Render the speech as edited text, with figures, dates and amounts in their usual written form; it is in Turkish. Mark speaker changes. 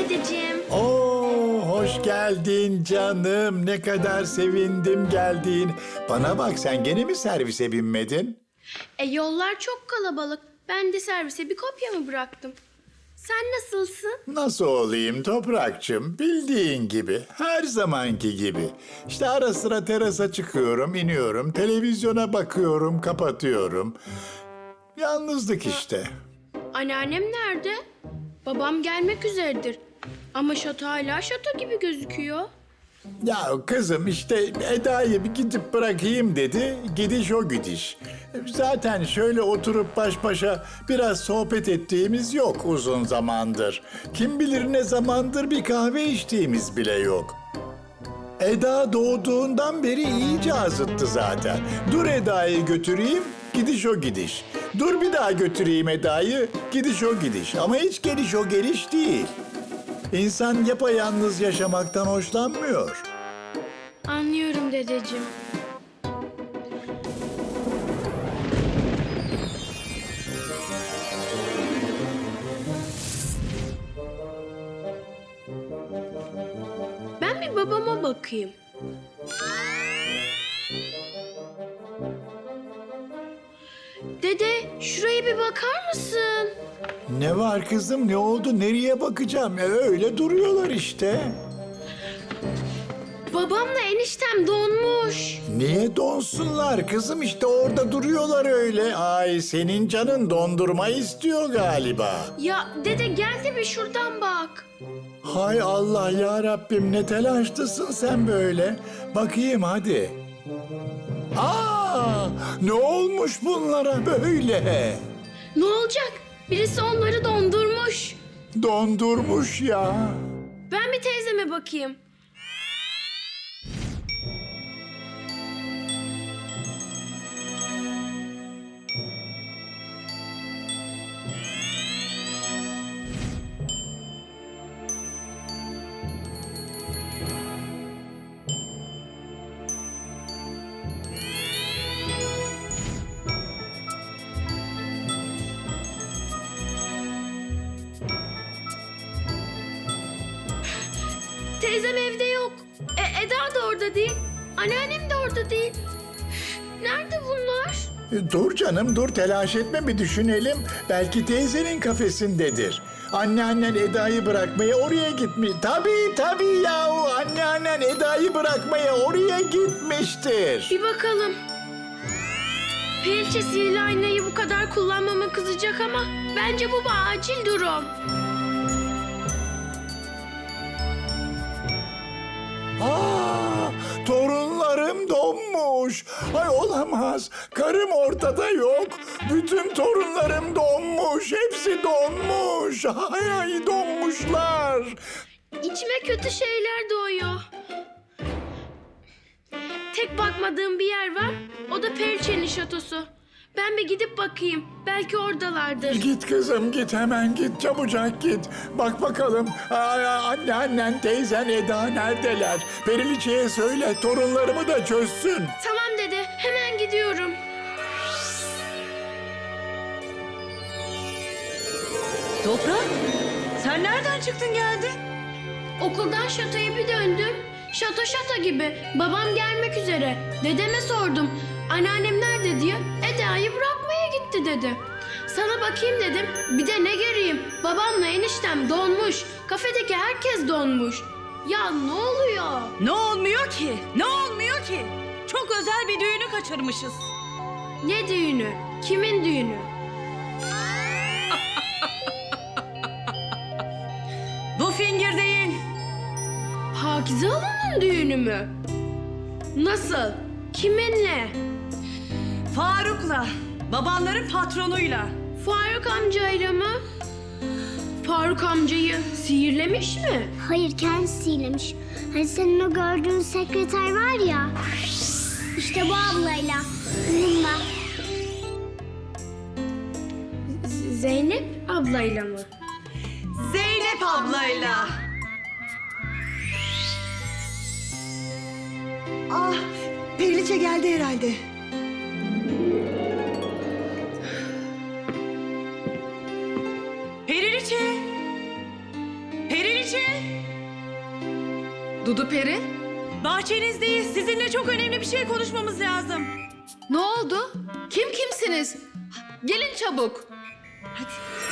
Speaker 1: dedeciğim.
Speaker 2: Oo, hoş geldin canım. Ne kadar sevindim geldiğin. Bana bak, sen gene mi servise binmedin?
Speaker 1: Yollar çok kalabalık. Ben de servise bir kopyamı bıraktım. Sen nasılsın?
Speaker 2: Nasıl olayım Toprakçım? Bildiğin gibi, her zamanki gibi. İşte ara sıra terasa çıkıyorum, iniyorum, televizyona bakıyorum, kapatıyorum. Yalnızlık işte.
Speaker 1: Anneannem nerede? Babam gelmek üzeredir. Ama şato hala şato gibi gözüküyor.
Speaker 2: Ya kızım işte Eda'yı bir gidip bırakayım dedi. Gidiş o gidiş. Zaten şöyle oturup baş başa biraz sohbet ettiğimiz yok uzun zamandır. Kim bilir ne zamandır bir kahve içtiğimiz bile yok. Eda doğduğundan beri iyice azıttı zaten. Dur Eda'yı götüreyim, gidiş o gidiş. Dur bir daha götüreyim Eda'yı, gidiş o gidiş. Ama hiç geliş o geliş değil. İnsan yapayalnız yaşamaktan hoşlanmıyor.
Speaker 1: Anlıyorum dedeciğim. Ben bir babama bakayım. Dede, şuraya bir bakar mısın?
Speaker 2: Ne var kızım, ne oldu, nereye bakacağım? Öyle duruyorlar işte.
Speaker 1: Babamla eniştem donmuş.
Speaker 2: Niye donsunlar kızım, işte orada duruyorlar öyle. Ay senin canın dondurma istiyor galiba.
Speaker 1: Ya dede gel de bir şuradan bak.
Speaker 2: Hay Allah ya Rabbim, ne telaşlısın sen böyle. Bakayım hadi. Aa, ne olmuş bunlara böyle?
Speaker 1: Ne olacak? Birisi onları dondurmuş.
Speaker 2: Dondurmuş ya.
Speaker 1: Ben bir teyzeme bakayım. Teyzem evde yok. Eda da orada değil. Anneannem de orada değil. Nerede bunlar?
Speaker 2: Dur canım dur, telaş etme, bir düşünelim. Belki teyzenin kafesindedir. Anneannen Eda'yı bırakmaya oraya gitmiş. Tabii yahu, anneannen Eda'yı bırakmaya oraya gitmiştir.
Speaker 1: Bir bakalım. Periçe sihirli aynayı bu kadar kullanmama kızacak ama bence bu bir acil durum.
Speaker 2: Aa, torunlarım donmuş. Ay olamaz. Karım ortada yok. Bütün torunlarım donmuş. Hepsi donmuş. Ay donmuşlar.
Speaker 1: İçime kötü şeyler doğuyor. Tek bakmadığım bir yer var. O da Periçe'nin şatosu. Ben bir gidip bakayım. Belki oradalardır.
Speaker 2: Git kızım git, hemen git, çabucak git. Bak bakalım annen, teyzen, Eda neredeler? Periliçe'ye söyle, torunlarımı da çözsün.
Speaker 1: Tamam dede, hemen gidiyorum.
Speaker 3: Toprak, sen nereden çıktın geldin?
Speaker 1: Okuldan şatoya bir döndüm. Şato gibi. Babam gelmek üzere. Dedeme sordum. Anneannem nerede diye. Eda'yı bırakmaya gitti dedi. Sana bakayım dedim. Bir de ne göreyim? Babamla eniştem donmuş. Kafedeki herkes donmuş. Ya ne oluyor?
Speaker 3: Ne olmuyor ki? Ne olmuyor ki? Çok özel bir düğünü kaçırmışız.
Speaker 1: Ne düğünü? Kimin düğünü?
Speaker 3: Bu fingir değil.
Speaker 1: Pakize Hanım'ın düğünü mü? Nasıl? Kiminle?
Speaker 3: Faruk'la, babanların patronuyla.
Speaker 1: Faruk amcayla mı? Faruk amcayı sihirlemiş mi?
Speaker 4: Hayır, kendisi sihirlemiş. Hani senin o gördüğün sekreter var ya. İşte bu ablayla. Bununla.
Speaker 1: Zeynep ablayla mı?
Speaker 3: Zeynep ablayla.
Speaker 5: Ah, Periliçe geldi herhalde.
Speaker 3: Periliçe. Periliçe. Periliçe!
Speaker 6: Dudu Peri,
Speaker 3: Bahçenizdeyiz. Sizinle çok önemli bir şey konuşmamız lazım.
Speaker 6: ne oldu? Kimsiniz? Gelin çabuk.
Speaker 3: Hadi.